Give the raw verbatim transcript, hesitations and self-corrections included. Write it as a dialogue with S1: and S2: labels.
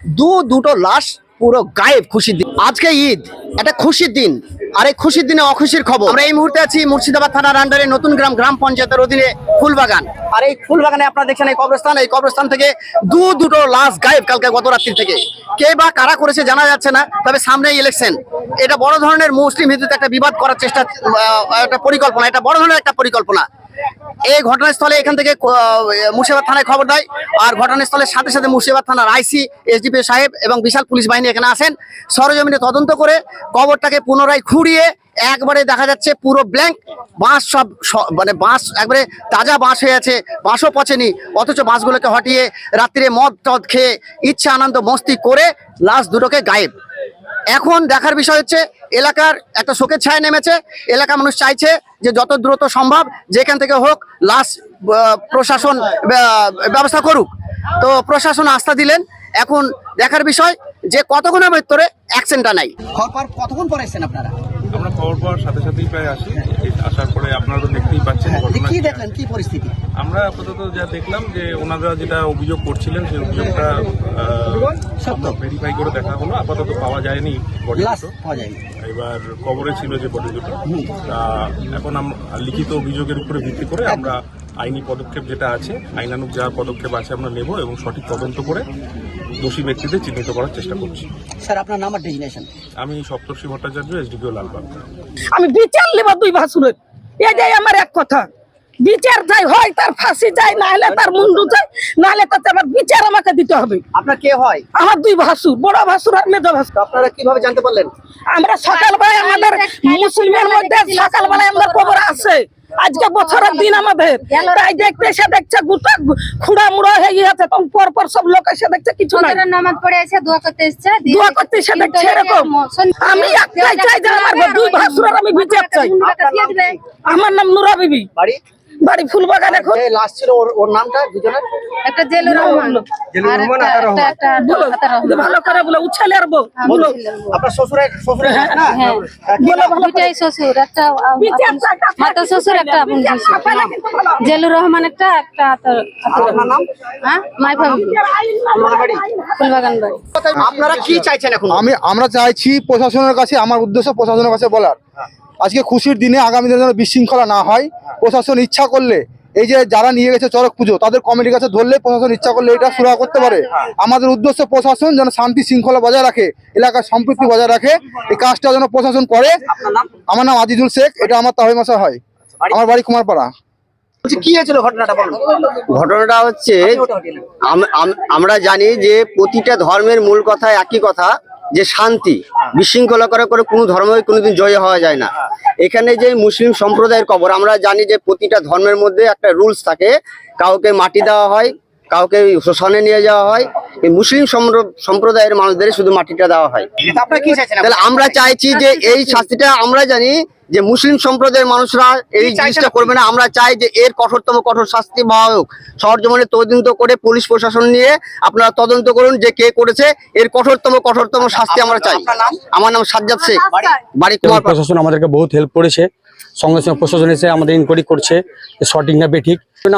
S1: দু দুটো লাশ পুরো গায়েব। খুশির দিন, আজকে ঈদ, একটা খুশির দিন। আর এই খুশির দিনে অখুশির খবর। আমরা এই মুহূর্তে আছি মুর্শিদাবাদ থানার আন্ডারে নতুন গ্রাম গ্রাম পঞ্চায়েতের অধীনে ফুলবাগান। আর এই ফুলবাগানে আপনারা দেখছেন এই কবরস্থান, এই কবরস্থান থেকে দু দুটো লাশ গায়েব কালকে গত রাত্রি থেকে। কে বা কারা করেছে জানা যাচ্ছে না, তবে সামনেই ইলেকশন, এটা বড় ধরনের মুসলিম হিন্দুতে একটা বিবাদ করার চেষ্টা, একটা পরিকল্পনা, এটা বড় ধরনের একটা পরিকল্পনা। এই ঘটনাস্থলে এখান থেকে মুর্শিদাবাদ থানায় খবর দেয়, আর ঘটনাস্থলের সাথে সাথে মুর্শিদাবাদ থানার আইসি, এসডিপি সাহেব এবং বিশাল পুলিশ বাহিনী এখানে আসেন। সরজমিনে তদন্ত করে কবরটাকে পুনরায় খুঁড়িয়ে একবারে দেখা যাচ্ছে পুরো ব্ল্যাঙ্ক, বাঁশ সব মানে বাঁশ একবারে তাজা বাঁশ হয়ে আছে, বাঁশও পচেনি, অথচ বাঁশগুলোকে হটিয়ে রাত্রিরে মদ টদ খেয়ে ইচ্ছা আনন্দ মস্তি করে লাশ দুটোকে গায়েব। এখন দেখার বিষয় হচ্ছে এলাকার একটা শোকের ছায়া নেমেছে। এলাকা মানুষ চাইছে যে যত দ্রুত সম্ভব যেখান থেকে হোক লাশ প্রশাসন ব্যবস্থা করুক। তো প্রশাসন আস্থা দিলেন। এখন দেখার বিষয় যে কতক্ষণের ভিতরে অ্যাকশনটা নাই। খবর কতক্ষণ পরে এসেছেন আপনারা?
S2: আমরা খবর পাওয়ার সাথে সাথেই প্রায় আসি। আসার পরে আপনারা তো দেখতেই পাচ্ছেন
S1: কি দেখলেন, কি পরিস্থিতি।
S2: আমরা আপাতত যা দেখলাম যে ওনারা যেটা অভিযোগ করছিলেন সেই অভিযোগটা ভেরিফাই করে দেখা হলো। আপাতত পাওয়া যায়নি বডি দুটো, এবার কবরে ছিল যে বডি দুটো। তা এখন আমরা লিখিত অভিযোগের উপরে ভিত্তি করে আমরা আইনি পদক্ষেপ যেটা আছে, আইনানুগ যা পদক্ষেপ আছে আমরা নেব এবং সঠিক তদন্ত করে দোষী ব্যক্তিদের চিহ্নিত করার চেষ্টা করছি।
S1: স্যার আপনার নাম আর ডেজিগনেশন?
S2: আমি সপ্তর্ষি ভট্টাচার্য, এসডিপিও লালবাগ।
S3: আমি বিচার নেব দুই ভাসুরের, এটাই আমার এক কথা। বিচার চাই, হয় তার ফাঁসি চাই, না হলে তার মুন্ডু চাই, না হলে তাতে আমার বিচার আমাকে দিতে হবে।
S1: আপনার কে হয়?
S3: আমার দুই ভাসুর, বড় ভাসুর আর মেজো ভাসুর।
S1: আপনারা কিভাবে জানতে পারলেন?
S3: আমরা সকালবেলায় আমাদের মুসলিমের মধ্যে সকালবেলায় আমাদের কবর আছে। আজকে বছরের দিন আমাদের, তাই দেখতে এসে দেখছে গোটা খুঁড়া মুড়া হয়ে গেছে, তখন পর পর সব লোক এসে দেখছে কিছু নাই,
S4: নামাজ পড়ে এসে দোয়া করতে এসেছে,
S3: দোয়া করতে এসে দেখছে এরকম। আমি একটাই চাই যে আমার দুই ভাসুরের আমি বিচার চাই। আমার নাম নুরা বিবি,
S1: বাড়ি
S3: বাড়ি ফুলবাগান। এখন
S1: যে লাশ ছিল ওর ওর নামটা দুজনের?
S4: একটা জেলুর রহমান, আর একটা একটা
S3: বলো, ভালো করে বলো, উচ্ছালে আর বলো।
S1: আপনার শ্বশুরের শ্বশুরের না?
S4: হ্যাঁ, দুইটাই শ্বশুর, একটা মাতা শ্বশুর, একটা বোন শ্বশুর। জেলুর রহমান একটা, একটা
S1: আপনার নাম?
S4: হ্যাঁ, মাই ফ্যামিলি,
S1: বাড়ি
S4: ফুলবাগান বাড়ি।
S1: আপনারা কি চাইছেন এখন?
S5: আমি আমরা চাইছি প্রশাসনের কাছে, আমার উদ্দেশ্য প্রশাসনের কাছে বলার, আজকে খুশির দিনে আগামী দিনে যেন বিশৃঙ্খলা না হয়। প্রশাসন ইচ্ছা করলে এই যে যারা নিয়ে গেছে চড়ক পুজো, তাদের কমিটির কাছে ধরলে প্রশাসন ইচ্ছা করলে এটা সুরাহা করতে পারে। আমাদের উদ্দেশ্য প্রশাসন যেন শান্তি শৃঙ্খলা বজায় রাখে, এলাকার সম্পৃক্তি বজায় রাখে, এই কাজটা যেন প্রশাসন করে। আমার নাম আজিজুল শেখ, এটা আমার তাহির মাসা হয়, আমার বাড়ি কুমারপাড়া।
S1: কি হয়েছিল ঘটনাটা বলুন।
S6: ঘটনাটা হচ্ছে আমরা জানি যে প্রতিটা ধর্মের মূল কথা একই কথা, যে শান্তি। বিশৃঙ্খলা করে করে কোনো ধর্মই কোনোদিন জয় হওয়া যায় না। এখানে যে মুসলিম সম্প্রদায়ের কবর, আমরা জানি যে প্রতিটা ধর্মের মধ্যে একটা রুলস থাকে, কাউকে মাটি দেওয়া হয়, কাউকে শ্মশানে নিয়ে যাওয়া হয়। এই মুসলিম সম্প্রদায়ের মানুষদের শুধু মাটিটা দেওয়া হয়। তাহলে আমরা চাইছি যে এই শাস্তিটা, আমরা জানি যে মুসলিম সম্প্রদায়ের মানুষরা এই জিনিসটা করবে না। আমরা চাই যে এর কঠোরতম কঠোর শাস্তি পাওয়া হোক। সরজমিনে তদন্ত করে পুলিশ প্রশাসন নিয়ে আপনারা তদন্ত করুন যে কে করেছে, এর কঠোরতম কঠোরতম শাস্তি আমরা চাই। আমার নাম সাজ্জাদ শেখ, বাড়ি কুমারপাড়া।
S7: প্রশাসন আমাদেরকে বহুত হেল্প করেছে, সঙ্গে সঙ্গে প্রশাসন এসে আমাদের ইনকোয়ারি করছে যে সঠিক না বেঠিক।